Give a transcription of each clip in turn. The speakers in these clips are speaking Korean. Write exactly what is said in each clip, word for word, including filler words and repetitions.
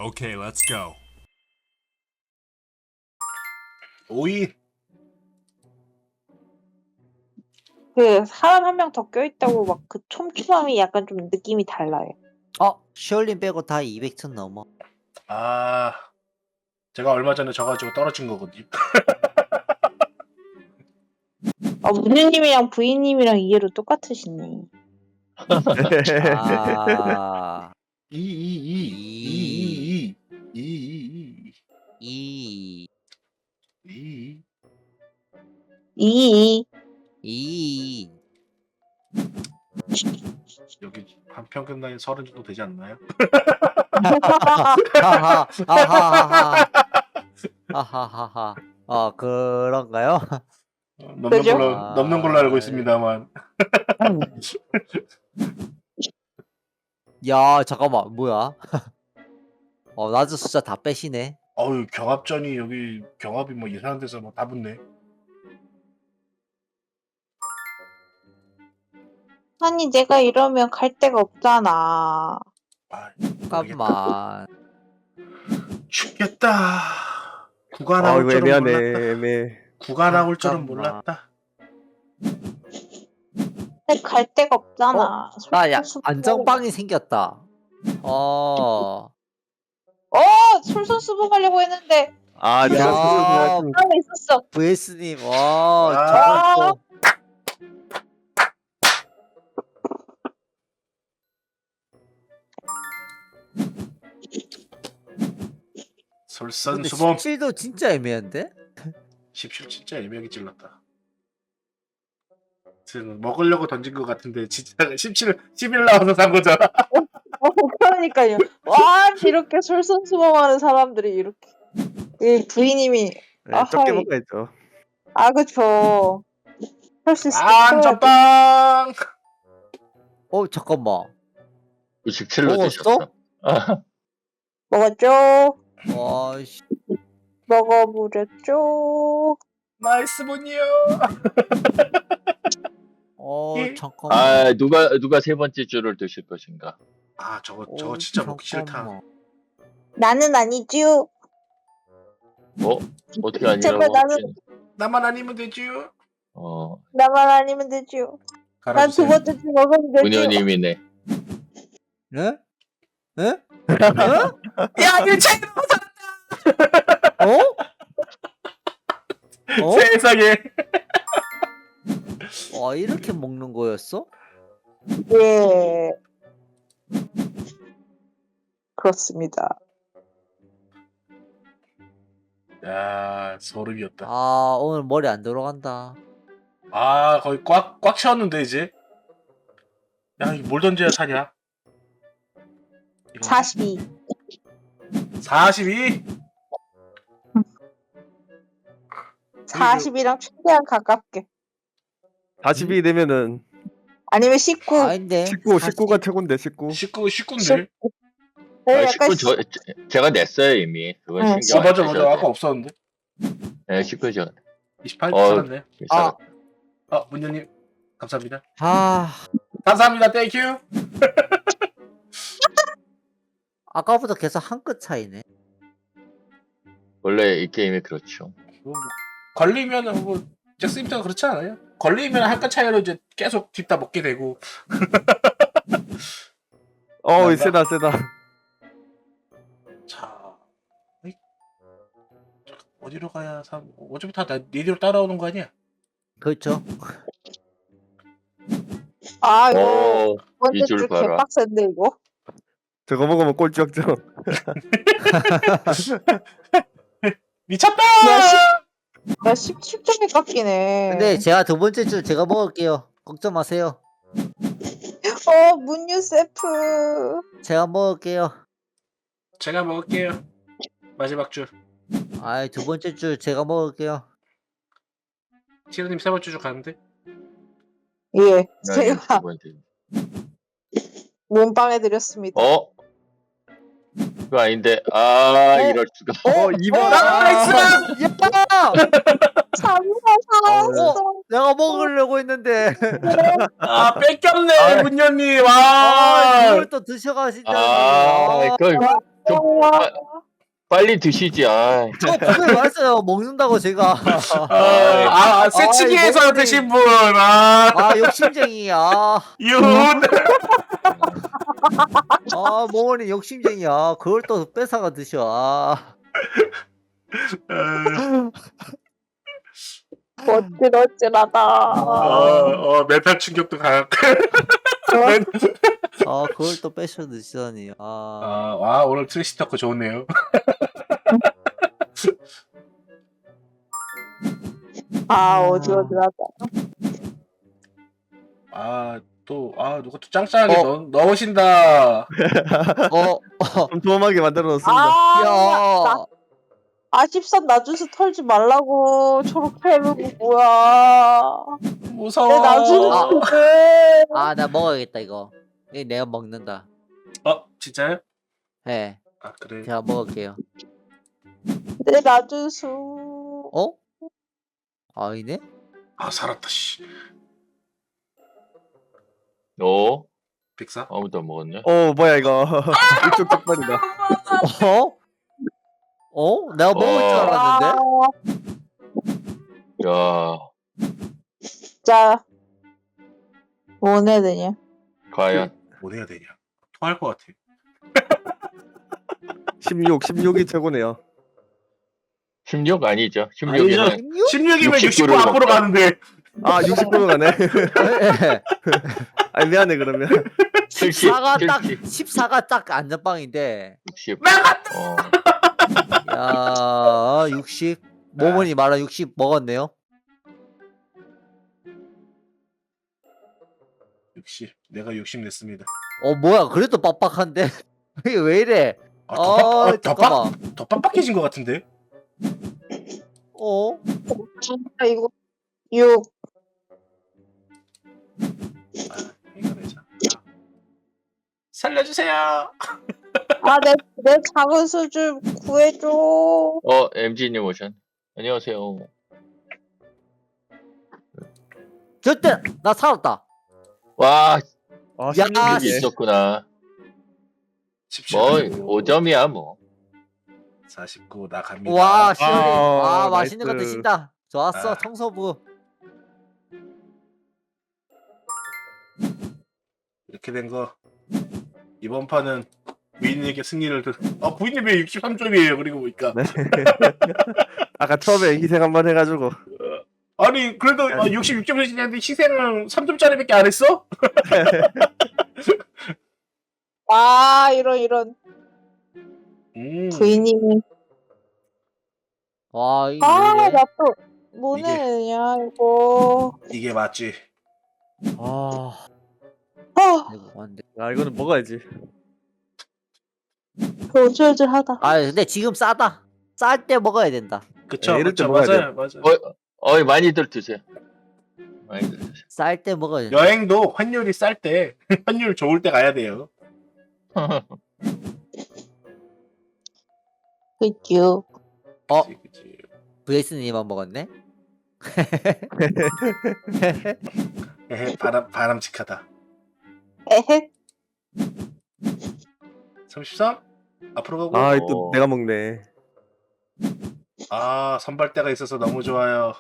Okay, let's go. 오이. 그 사람 한 명 더 껴있다고 막 그 촘촘함이 약간 좀 느낌이 달라요. 어, 슈얼린 빼고 다 이백 층 넘어. 아, 제가 얼마 전에 져가지고 떨어진 거거든요. 아, 문유님이랑 부인님이랑 이해로 똑같으시네. 아, 이이이이이이이이이 이, 이. 이, 이, 여기 한 평균 나이 서른 정도 되지 않나요? 하하, 하하하하, 하하하하. 어, 그런가요? 넘는 그죠? 걸로 넘는 걸로 알고 아, 있습니다만. 야, 잠깐만, 뭐야? 어, 나도 숫자 다 빼시네. 어유 경합전이 여기 경합이 뭐 이상한 데서 뭐 다 붙네. 아니 내가 이러면 갈 데가 없잖아. 아, 잠깐만. 죽겠다. 구가 아 나올 이거 줄은 애매하네 몰랐다. 애매해. 구가 나올 줄은 잠깐만. 몰랐다. 근데 갈 데가 없잖아. 아, 야, 솔선수범- 안정빵이 생겼다. 어, 어, 솔선수범하려고 했는데 아 야. 진짜 좀 하나 있었어. 브이에스님, 와, 아. 저걸 또. 근데 솔선수범. 십칠도 진짜 애매한데? 십칠 진짜 애매하게 찔렀다. 지금 먹으려고 던진 것 같은데 진짜 십칠, 십일 나와서 산 거잖아. 어, 그러니까요. 와, 이렇게 솔선수범하는 사람들이 이렇게. 이 부인님이 네, 아하이. 적게 먹어야죠. 아, 그쵸. 할 수 있을 때 아, 해야지. 안전빵. 어, 잠깐만. 구십칠로 먹었어? 드셨어. 아, 먹었죠? 와, 씨. 먹어보랬죠? 나이스 분이요. 어, 예. 잠깐만. 아, 누가 누가 세 번째 줄을 드실 것인가? 아, 저거 어, 저거 진짜 먹기 싫다. 잠깐만. 나는 아니지요. 어? 어떻게 아니라고? 제발 나는- 혹시- 나만 아니면 되지요. 어, 나만 아니면 되지요. 난 두 갈아주세요. 번째 주 먹으면 되지요. 문현님이네. 네? 네? 야, 일체 어? 어? 세상에. 와, 이렇게 먹는 거였어? 예. 그렇습니다. 야, 소름이었다. 아, 오늘 머리 안 들어간다. 아, 거의 꽉 꽉 채웠는데 이제. 야, 이거 뭘 던져야 사냐? 이거 사십이. 사십이. 사십이랑 최대한 가깝게. 사십이 되면은 아니면 십구. 아닌데. 십구, 십구가 최고인데 십구. 십구, 십구인데. 네, 아, 약간 십구 저, 제- 제가 냈어요 이미. 그건 응, 신경 아, 안 맞아, 쓰셔도 맞아. 아까 돼요. 없었는데. 네, 십구 저. 이십팔 어. 살았네. 아, 아, 문현님 감사합니다. 아, 감사합니다. 땡큐. 아까보다 계속 한 끗 차이네. 원래 이 게임이 그렇죠. 뭐, 뭐, 걸리면은 뭐 잭스님도 그렇지 않아요? 걸리면 한 칸 차이로 이제 계속 뒷다 먹게 되고. 어 난다. 세다 세다. 자, 어이? 어디로 가야 삼? 어차피 다 나- 니디로 따라오는 거 아니야? 그렇죠. 아 이거 어, 두 번째 이줄 주 봐라. 개빡센데 이거. 저거 먹으면 꼴찌 확정. 미쳤다! 야, 십, 야 십, 십 점이 깎이네. 근데 제가 두 번째 줄 제가 먹을게요. 걱정 마세요. 어 문유 세프. 제가 먹을게요. 제가 먹을게요. 마지막 줄. 아이, 두 번째 줄 제가 먹을게요. 시르님 세 번째 줄 가는데? 예, 나 제가 두 번째. 몸빵해 드렸습니다. 어? 그거 아닌데. 아, 이럴 수가. 어 이번 나이스! 야! 참나 살았어. 내가 먹으려고 했는데. 아, 뺏겼네, 아. 문현님. 아, 와! 이걸 또 드셔가신다니. 아, 아, 그걸 좀 빠- 빨리 드시지. 아, 저 분명히 말했어요. 먹는다고 제가. 아, 아, 아 새치기에서 아이, 드신 분. 아, 아 욕심쟁이야. 윤. 아 모모님 욕심쟁이야. 그걸 또 뺏어가 드셔. 아. 어찌러찌라다. 어, 어, 멘탈 충격도 강. 아 그걸 또 뺏어 드시다니. 아. 아, 와, 오늘 트래시 토크 좋네요. 아, 어지러지라다. 아, 또, 아, 누가 또 짱짱하게 어. 넣, 넣으신다. 어. 어. 촘촘하게 만들어 놓습니다. 아, 나, 야. 아십삼 나주스 털지 말라고. 저렇게 해놓고 뭐야. 무서워. 내 나주스 왜. 아 나 먹어야겠다 이거. 이거 내가 먹는다. 어, 진짜요? 네. 아, 그래. 제가 먹을게요. 내 나주스. 어? 아니네? 아, 살았다, 씨. 어? 빅사? 아무도 안 먹었네. 어 뭐야 이거. 이쪽 적반이다. 어? 어? 내가 먹을 줄 어. 알았는데? 야, 진짜. 뭐 해야 되냐. 과연. 뭐 해야 되냐? 토할 것 같아. 십육, 십육이 최고네요. 십육 아니죠. 아니죠. 십육이면 십육이면 육십구를 육십구 앞으로 먹자. 가는데. 아 육십구로 가네. 아 미안해 그러면. 칠십, 십사가 딱 칠십. 십사가 딱 안전빵인데. 육십. 나갔다. 어. 야, 육십. 모모니 말한 육십 먹었네요. 육십. 내가 육십 냈습니다. 어 뭐야? 그래도 빡빡한데. 이게 왜 이래? 아, 더, 빡, 어, 어, 더, 빡, 잠깐만. 더 빡빡해진 것 같은데? 어? 진짜 이거. 육. 아, 이거 내자. 자. 살려주세요. 아, 내, 내 작은 수좀 구해줘. 어, 엠지님 오션. 안녕하세요. 절대 나 살았다. 와, 아 야, 여기 십육이네. 있었구나. 십칠. 뭐, 오 점이야, 뭐. 사십구 나갑니다. 와, 시원해. 아, 아, 맛있는 거 나이스. 드신다. 좋았어, 아. 청소부. 이렇게 된 거 이번 판은 부인에게 승리를 드... 아 부인님 왜 육십삼 점이에요? 그리고 보니까 네. 아까 처음에 희생 한번 해가지고. 아니 그래도 아, 육십육 점 되시는데 희생은 삼 점짜리밖에 안 했어? 아, 이런, 이런. 음, 부인님이. 와, 이거 아, 왜 이래? 나 또, 뭐 이게- 내냐, 이거. 이게 맞지. 아, 아, 이거 안 돼. 야 이거는 먹어야지. 어질어질하다. 아, 근데 지금 싸다. 쌀 때 먹어야 된다. 그쵸? 네, 이럴 때 맞죠? 먹어야 맞아요, 맞아요. 어, 어이, 많이들 드세요. 많이들 드세요. 쌀 때 먹어야 된다. 여행도 환율이 쌀 때 환율 좋을 때 가야 돼요. 그죠. 어? 그치, 그치. 브레이스님만 먹었네? 에헤, 바람 바람직하다. 에헤. 삼십삼 앞으로 가고. 아 아, 또 어. 내가 먹네. 선발대가 있어서 너무 좋아요.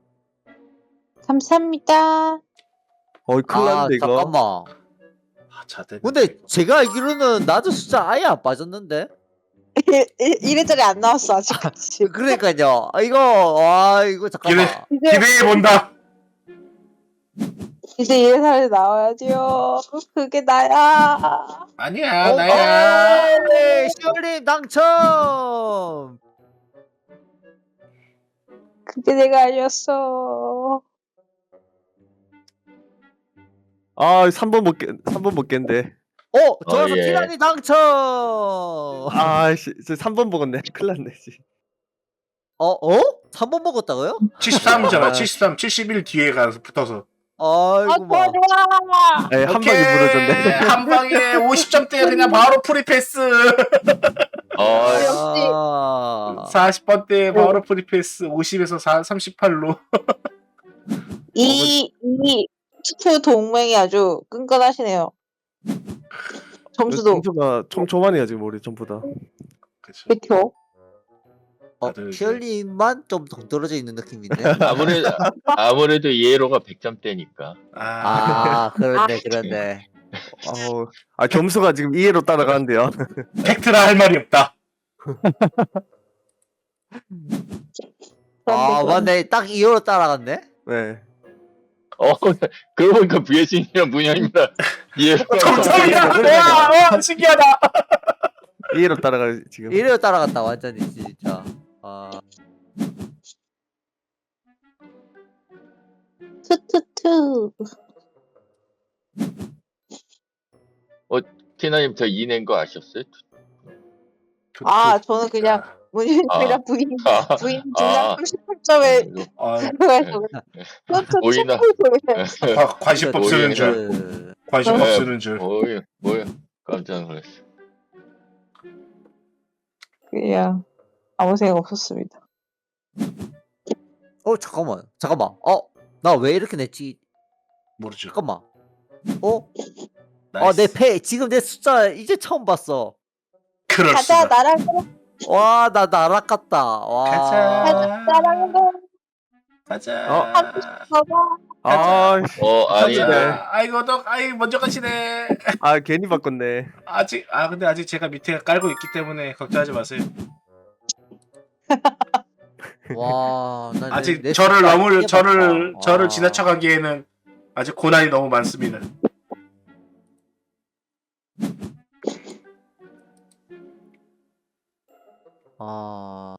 감사합니다. 어이 큰일 아, 났는데 이거. 잠깐만. 아, 자대. 근데 제가 알기로는 나도 숫자 아예 안 빠졌는데? 이래저래 안 나왔어, 아직까지. 그러니까요. 아, 이거, 와, 이거 잠깐만. 이제, 기대해 본다. 이제 이래저래 나와야지요. 그게 나야. 아니야, 어, 나야. 어, 네, 시올님 당첨! 그게 내가 아니었어. 아 삼 번 못 깼, 삼 번 못 깼는데. 어, 좋아서 예. 티라니 당첨! 아씨, 삼 번 먹었네. 큰일 났네. 씨. 어, 어? 삼 번 먹었다고요? 칠십삼이잖아. 아. 칠십삼, 칠십일 뒤에 가서 붙어서. 아, 아이고, 좋아, 뭐. 좋아. 네, 한 오케이. 방에 무너졌네. 한 방에 오십 점대 그냥 바로 프리패스. 어, 역시. 아, 사십 번대 바로 프리패스. 오십에서 삼십팔로. 이, 이 투표 동맹이 아주 끈끈하시네요. 점수도. 점수가 촘촘하네요 지금 우리 전부 다. 그치. 그쵸? 어, 다들 이제- 피얼님만 좀 동떨어져 있는 느낌인데. 아무래도 아무래도 이해로가 백 점대니까. 아, 아, 그런데 그런데. 어우, 아 점수가 지금 이해로 따라가는데요. 팩트라 할 말이 없다. 아, 그런데 맞네. 딱 이호로 따라갔네. 네. 어, 그러고 보니까 브이에스님이랑 문현이랑 이해로가 정답이야. 그러네. 와, 어, 신기하다. 이해로 따라가 지금. 이래로 따라갔다 완전히 진짜. 아, 투투투. 티나님 저 이 낸 거 아셨어요? 아, 저는 그냥 문현이랑 아. 부인 아, 부인 아. 둘다 삼십팔 점에 아, 들어가서 오이나. 투투투. 과- 관심법 오히려 쓰는 줄. 그... 관심법 네. 쓰는 줄. 뭐야, 뭐야. 깜짝 놀랐어. 그냥 아무 생각 없었습니다. 어, 잠깐만. 잠깐만. 어, 나 왜 이렇게 냈지? 모르죠. 잠깐만. 어? 아, 나이스. 내 패, 지금 내 숫자 이제 처음 봤어. 그럴 가자 수가. 나랑 와, 나 날아갔다. 와. 가자. 나랑 가자. 어? 봐봐. 아, 어, 쳤는데. 아니다. 야, 아이고 너 아이 먼저 가시네. 아 괜히 바꿨네. 아직 아 근데 아직 제가 밑에 깔고 있기 때문에 걱정하지 마세요. 와, 나 내- 아직 내 저를 숫자 너무 이제 저를 봤다. 저를 와. 지나쳐가기에는 아직 고난이 너무 많습니다. 아,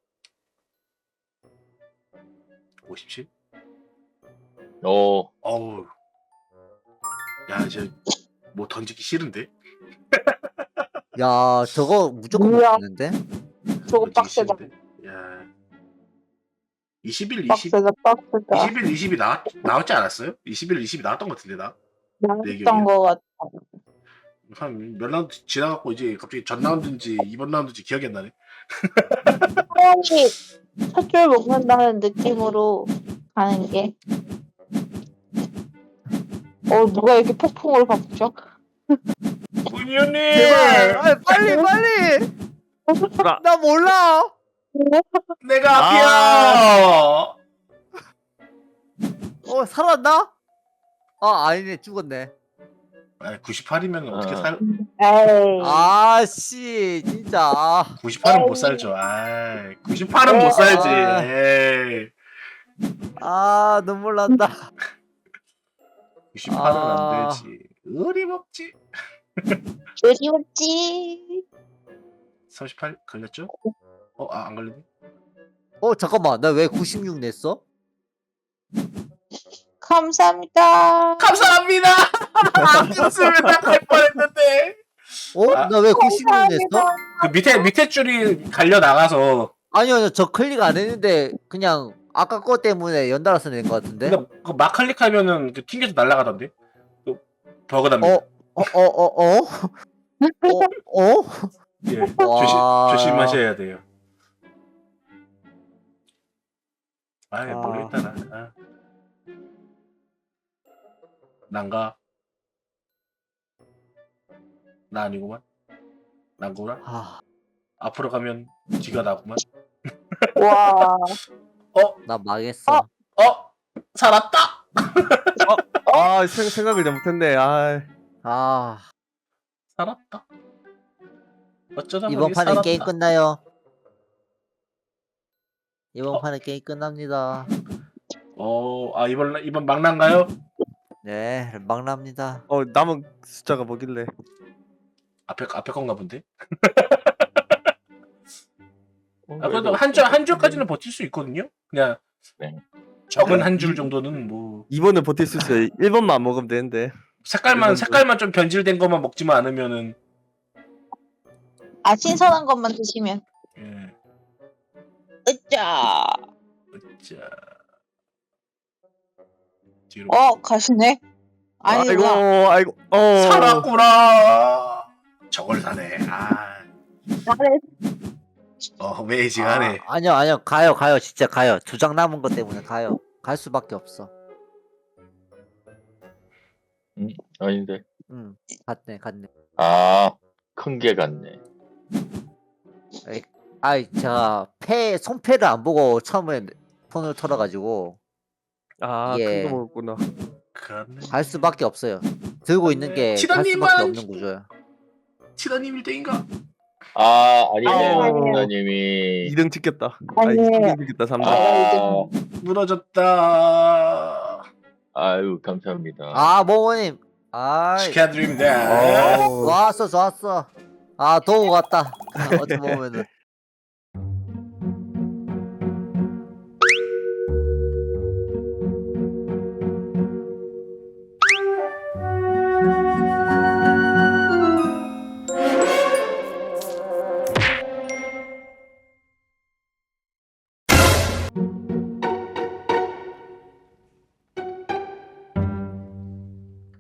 오십칠? 어, 어우. 야 이제 뭐 던지기 싫은데? 야, 저거 무조건 뭐야? 먹는데? 저거 던지기 빡세다. 싫은데? 야. 이십일, 이십, 빡세다 빡세다. 이십일, 이십이 나왔, 나왔지 않았어요? 이십일, 이십이 나왔던 것 같은데 나? 내 기억이야. 나왔던 거 같아. 한 몇 라운드 지나갖고 이제 갑자기 전 라운드인지 이번 라운드인지 기억이 안 나네. 사람이 첫 줄 먹는다는 느낌으로 가는 게. 어 누가 이렇게 폭풍을 박죠? 문현님! 제발, 아, 빨리 빨리. 나- 나 몰라. 내가 아. 앞이야! 어, 살았나? 아, 아니네, 죽었네. 아, 구십팔이면 어떻게 아. 살? 에이. 아, 씨, 진짜. 아, 구십팔은 못 살죠. 아, 구십팔은 못 살지. 아. 에이. 아, 눈물 난다. 구십팔은 아. 안 되지. 의리 먹지. 그리웠지. 삼십팔 걸렸죠? 어, 아, 안 걸렸네. 어, 잠깐만, 나 왜 구십육 냈어? 감사합니다. 감사합니다. 아꼈으면 나갈 뻔했는데. 어? 아. 나 왜 구십육 냈어? 감사합니다. 그 밑에 밑에 줄이 갈려 나가서. 아니요, 아니요, 저 클릭 안 했는데 그냥 아까 거 때문에 연달아서 낸 것 같은데. 근데 그 마클릭하면은 그 튕겨서 날아가던데. 그 버그답니다. 어, 어, 어, 어, 어, 어, 어? 예, 와. 조심 조심하셔야 돼요. 아, 아. 모르겠다 나. 아. 난가? 나 아니구만. 난구나? 아, 앞으로 가면 뒤가 나구만. 와. 나 망했어. 어? 살았다! 아 생, 생각을 잘못했네. 아, 아, 살았다. 어쩌다 이번 보니 판에 살았다. 게임 끝나요. 이번 어. 판에 게임 끝납니다. 어, 아 이번 이번 막난가요? 네, 막납니다. 어 남은 숫자가 뭐길래? 앞에 앞에 건가 본데. 어, 아 그래도 한 줄 한 줄까지는 버틸 수 있거든요. 그냥 네. 적은 한 줄 정도는 뭐 이 번은 버틸 수 있어요. 일 번만 안 먹으면 되는데. 색깔만 이건 색깔만 좀 변질된 것만 먹지만 않으면은 아 신선한 것만 드시면. 예. 으짜. 자 뒤로 어 가시네. 아이고, 아니구나. 아이고, 어. 살았구나. 저걸 사네. 아, 잘해. 어 매지가네. 아, 아니요, 아니요, 가요, 가요, 진짜 가요. 두 장 남은 것 때문에 가요. 갈 수밖에 없어. 아닌데. 응, 갔네, 갔네. 아, 큰 게 같네. 아이 제가 패 손패를 안 보고 처음에 폰을 털어가지고 아, 예. 큰 거 먹었구나. 그렇네. 갈 수밖에 없어요. 들고 있는 게 갈 치다님은 수밖에 없는 구조야. 치다님 일 등인가? 아 아니네 아니에요. 부모님이 이 등 찍겠다. 아, 아니에요. 삼 등 찍겠다. 삼 등. 아 무너졌다. 아유 감사합니다. 아 모모님. 아 축하드립니다. 어, 좋았어 좋았어. 아 도우 같다. 어떻게 보면은